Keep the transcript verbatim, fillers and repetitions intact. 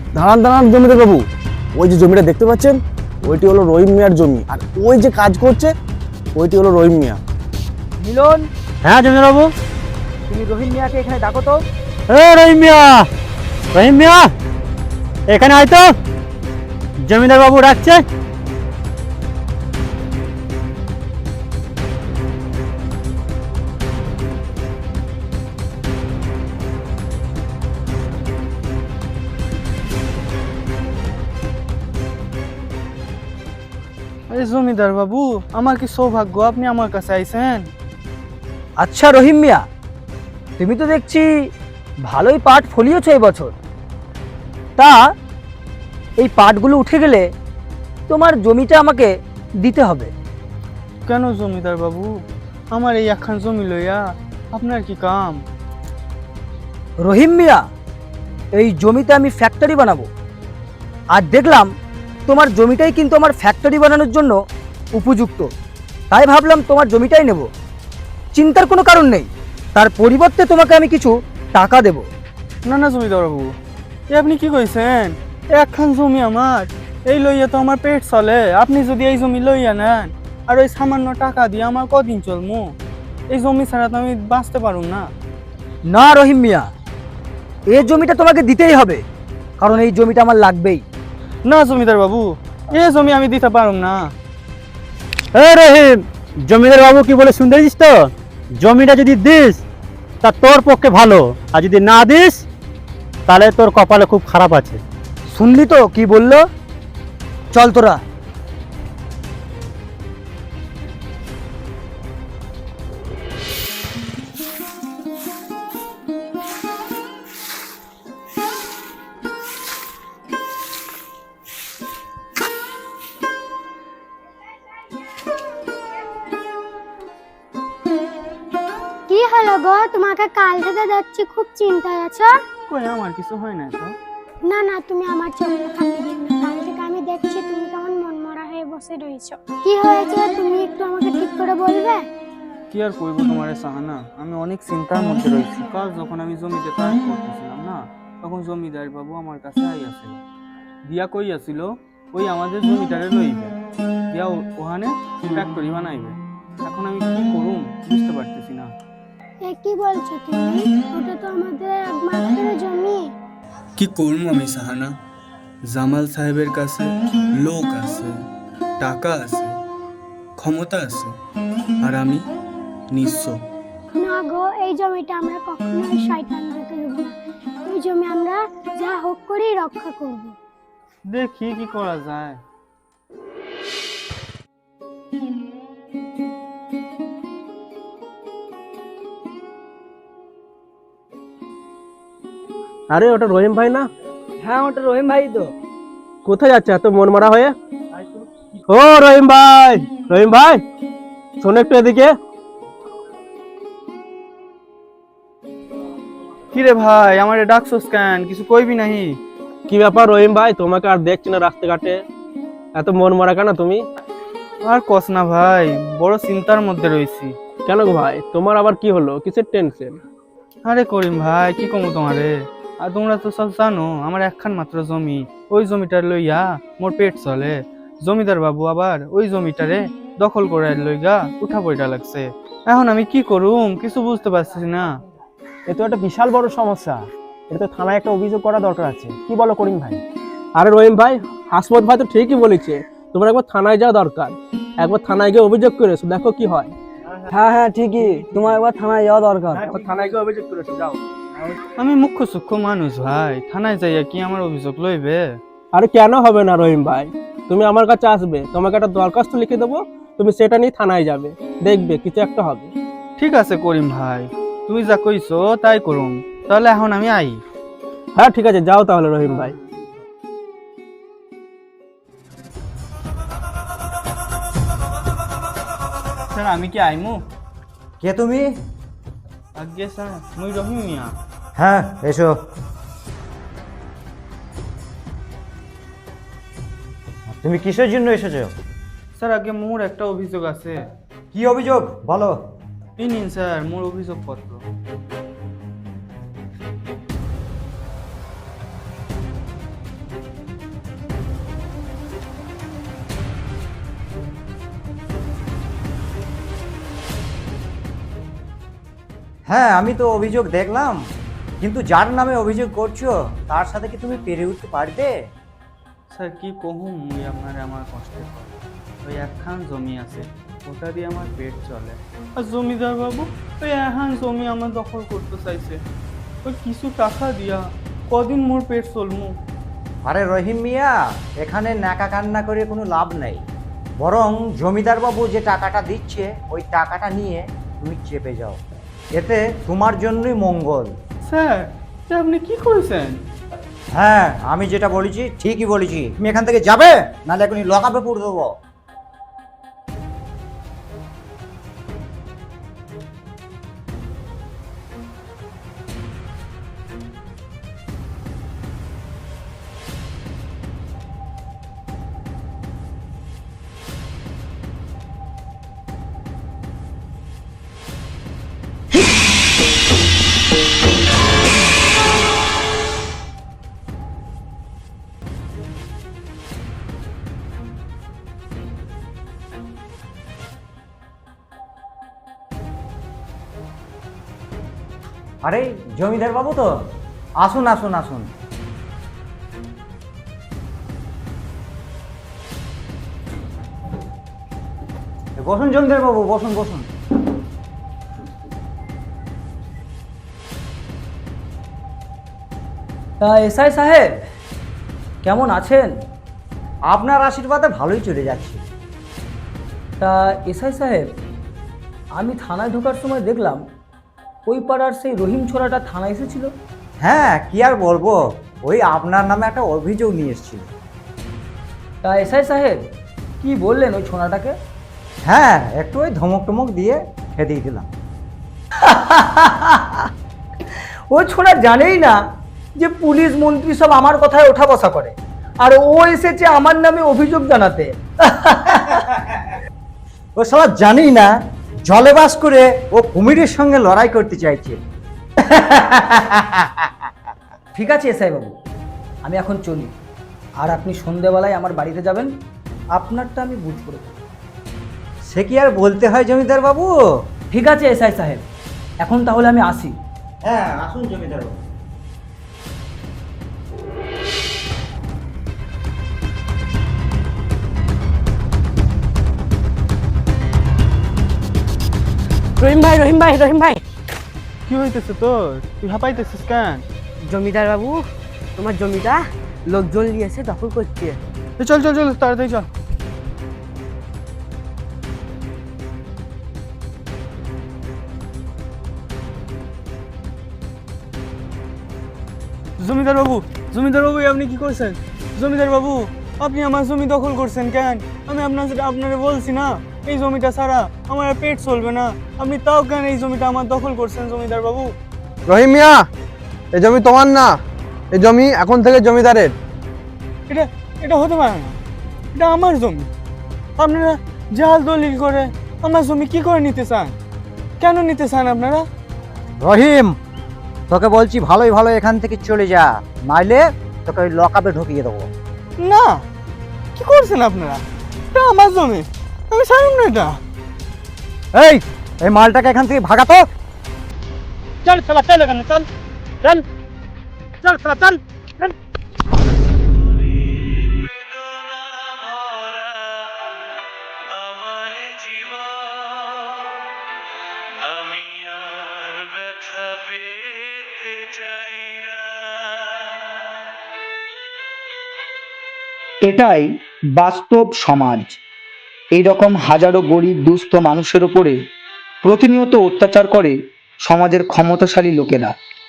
দাঁড়ান দাঁড়ান জমিদার বাবু, ওই যে জমিটা দেখতে পাচ্ছেন ওইটি হলো রহিম মিয়ার জমি, আর ওই যে কাজ করছে ওইটি হলো রহিম মিয়া। মিলন, হ্যাঁ জমিদার বাবু। তুমি রহিম মিয়াকে এখানে ডাকো তো। এ রহিম মিয়া, রহিম মিয়া এখানে আয় তো, জমিদার বাবু ডাকছে। আরে জমিদার বাবু, আমার কি সৌভাগ্য আপনি আমার কাছে আইছেন। আচ্ছা রহিম মিয়া, তুমি তো দেখছি ভালোই পাট ফলিয়েছ এই বছর। তা এই পাটগুলো উঠে গেলে তোমার জমিটা আমাকে দিতে হবে। কেন জমিদার বাবু, আমার এই একখান জমি লইয়া আপনার কি কাম? রহিম মিয়া, এই জমিতে আমি ফ্যাক্টরি বানাবো, আর দেখলাম তোমার জমিটাই কিন্তু আমার ফ্যাক্টরি বানানোর জন্য উপযুক্ত, তাই ভাবলাম তোমার জমিটাই নেব। চিন্তার কোনো কারণ নেই, তার পরিবর্তে তোমাকে আমি কিছু টাকা দেব। না না জমিদার বাবু, এ আপনি কি কইছেন? এ একখান জমি আমার, এই লইয়া তো আমার পেট চলে। আপনি যদি এই জমি লইয়া নেন আর ওই সামান্য টাকা দিয়ে আমার কদিন চলমু? এই জমি ছাড়া তো আমি বাঁচতে পারুম না। না রহিম মিয়া, এই জমিটা তোমাকে দিতেই হবে, কারণ এই জমিটা আমার লাগবেই। না জমিদার বাবু, এ জমি আমি দিতে পারুম না। এ রহিম, জমিদার বাবু কি বলে শুনতে দিস তো? জমিটা যদি দিস তা তোর পক্ষে ভালো, আর যদি না দিস তাহলে তোর কপালে খুব খারাপ আছে। শুনলি তো কি বললো? চল তোরা। কি হলো গো, তোমাকে কাল থেকে দেখছি খুব চিন্তায় আছো। কই আমার কিছু হয় না তো। না না, তুমি আমার চোখে ফাঁকি দিও না। কাল থেকে আমি দেখছি তুমি কেমন মনমরা হয়ে বসে রয়েছো। কি হয়েছে তুমি একটু আমাকে ঠিক করে বলবে? কি আর কইব তোমার সাহানা, আমি অনেক চিন্তার মধ্যে রয়েছি। কাল যখন আমি জমিতে কাজ করতেছিলাম না, তখন জমিদার বাবু আমার কাছে আইয়াছিল। দিয়া কইয়াছিল ওই আমাদের জমিটারে লইবে, দিয়া ওখানে ফ্যাক্টরি বানাইবে। এখন আমি কি করুম বুঝতে পারতেছি না। এ কি বলছো তুমি? ওটা তো আমাদের একমাত্র জমি। কি করবো আমি সাহানা? জামাল সাহেবের কাছে লোক আছে, টাকা আছে, ক্ষমতা আছে, আর আমি নিঃস্ব। না গো, এই জমিটা আমরা কখনোই শয়তান রেখে দেব না। এই জমি আমরা যা হোক করেই রক্ষা করব। দেখি কি করা যায়। আরে ওটা রহিম ভাই না? হ্যাঁ, ওটা রহিম ভাই তো। কোথায় যাচ্ছে এত মন মারা হয়ে? ও রহিম ভাই, রহিম ভাই শোনো একটু এদিকে। কি রে ভাই, আমার ডাকছস কেন? কিছু কইবি নাহি? কি ব্যাপার রহিম ভাই, তোমাকে আর দেখছি না রাস্তাঘাটে, এত মন মারা কেন তুমি? আর কস না ভাই, বড় চিন্তার মধ্যে রয়েছি। কেন গো ভাই, তোমার আবার কি হলো? কিসের টেনশন? আরে করিম ভাই, কি কমু তোমারে? আর তোমরা তো সব জানো আমার একখান মাত্র জমি, ওই জমিটার লইয়া মোর পেট চলে। জমিদার বাবু আবার ওই জমিটারে দখল করে লইগা উঠা পয়টা লাগছে। এখন আমি কি করুম কিছু বুঝতে পারছি না। এ তো একটা বিশাল বড় সমস্যা, এটা তো থানায় একটা অভিযোগ করা দরকার আছে। কি বলো করিম ভাই? আরে রহিম ভাই, হাসমত ভাই তো ঠিকই বলেছে, তোমার একবার থানায় যাওয়া দরকার। একবার থানায় গিয়ে অভিযোগ করেছো, দেখো কি হয়। হ্যাঁ হ্যাঁ ঠিকই, তোমার একবার থানায় যাওয়া দরকার। একবার থানায় গিয়ে অভিযোগ করেছো, যাও। আমি মুখ্য সূক্ষ্ম মানুষ ভাই, থানায় যাইয়া কি আমার অভিযোগ লইবে? আরে কেন হবে না রহিম ভাই, তুমি আমার কাছে আসবে, তোমাকে একটা দরখাস্ত লিখে দেবো, তুমি সেটা নিয়ে থানায় যাবে, দেখবে কিছু একটা হবে। ঠিক আছে করিম ভাই, তুমি যা কইছো তাই করুম। তাহলে এখন আমি আই। হ্যাঁ ঠিক আছে, যাও তাহলে রহিম ভাই। স্যার আমি কি আইমু? কে তুমি? আজ্ঞে স্যার, মুই রহিম মিয়া। হ্যাঁ এসো। তুমি কিসের জন্য এসেছো? স্যার আগে মোর একটা অভিযোগ আছে। কি অভিযোগ বলো? এই নিন স্যার মোর অভিযোগ পত্র। হ্যাঁ, আমি তো অভিযোগ দেখলাম, কিন্তু যার নামে অভিযোগ করছো তার সাথে কি তুমি পেরে উঠতে পারবে? স্যার কি কহুম মুই আপনার আমার কষ্টের কথা। ওই একখান জমি আছে, ওটা দিয়ে আমার পেট চলে। আর জমিদার বাবু ওই একখান জমি আমার দখল করতে চাইছে, ওই কিছু টাকা দিয়া কদিন মোর পেট চলমু। আরে রহিম মিয়া, এখানে নাকা কান্না করে কোনো লাভ নেই, বরং জমিদার বাবু যে টাকাটা দিচ্ছে ওই টাকাটা নিয়ে তুমি চেপে যাও, এতে তোমার জন্যই মঙ্গল। স্যার এটা আপনি কি করেছেন? হ্যাঁ, আমি যেটা বলেছি ঠিকই বলেছি। তুমি এখান থেকে যাবে, নাহলে এখনই লকআপে পুরে দেবো। আরে জমিদার বাবু তো, আসুন আসুন আসুন। বসুন জমিদার বাবু, বসুন বসুন। তা এসআই সাহেব কেমন আছেন? আপনার আশীর্বাদে ভালোই চলে যাচ্ছে। তা এসআই সাহেব, আমি থানায় ঢোকার সময় দেখলাম ওই পাড়ার সেই রহিম ছোড়াটা থানায় এসেছিল। হ্যাঁ, কি আর বলবো, ওই আপনার নামে একটা অভিযোগ নিয়ে এসেছিল। তা এসআই সাহেব কি বললেন ওই ছোড়াটাকে? হ্যাঁ, একটু ওই ধমক টমক দিয়ে খেদিয়ে দিলাম। ও ছোড়া জানেই না যে পুলিশ মন্ত্রী সব আমার কথায় ওঠা বসা করে, আর ও এসেছে আমার নামে অভিযোগ জানাতে। ও সব জানি না, জলে বাস করে ও কুমিরের সঙ্গে লড়াই করতে চাইছে। ঠিক আছে এসআই বাবু, আমি এখন চলি, আর আপনি সন্ধেবেলায় আমার বাড়িতে যাবেন, আপনারটা আমি বুঝ করে দেব। সে কি আর বলতে হয় জমিদার বাবু? ঠিক আছে এসআই সাহেব, এখন তাহলে আমি আসি। হ্যাঁ, আসুন জমিদার বাবু। রহিম ভাই, রহিম ভাই, রহিম ভাই, কি হইতেছে তোর? তুই হাঁপাইতেছিস কেন? জমিদার বাবু তোমার জমিটা লোকজন নিয়েছে, দখল করছে। এ চল চল চল তাড়াতাড়ি চল। জমিদার বাবু, জমিদার বাবু আপনি কি করছেন? জমিদার বাবু আপনি আমার জমি দখল করছেন কেন? আমি আপনার আপনারে বলছি না এই জমিটা ছাড়া আমার আর পেট চলবে না, আপনি তাও কেন এই জমিটা আমার দখল করছেন জমিদার বাবু? রহিম মিয়া, এই জমি তোমার না, এই জমি এখন থেকে জমিদারের। এটা এটা হতে পারে না, এটা আমার জমি। আপনারা জাল দলিল করে আমার জমি কি করে নিতে চান? কেন নিতে চান আপনারা? রহিম, তোকে বলছি ভালোই ভালো এখান থেকে চলে যা, নাইলে তোকে ওই লকআপে ঢুকিয়ে দেবো। না, কি করছেন আপনারা? এটা আমার জমি, আমি ছাড়ুন না এটা। এই এই মালটাকে এখান থেকে ভাগাতো। চল চল চল এখানে চল চল চল চল চল চল। এটাই বাস্তব সমাজ। এই রকম হাজারো গরিব দুস্থ মানুষের উপরে প্রতিনিয়ত অত্যাচার করে সমাজের ক্ষমতাশালী লোকেরা।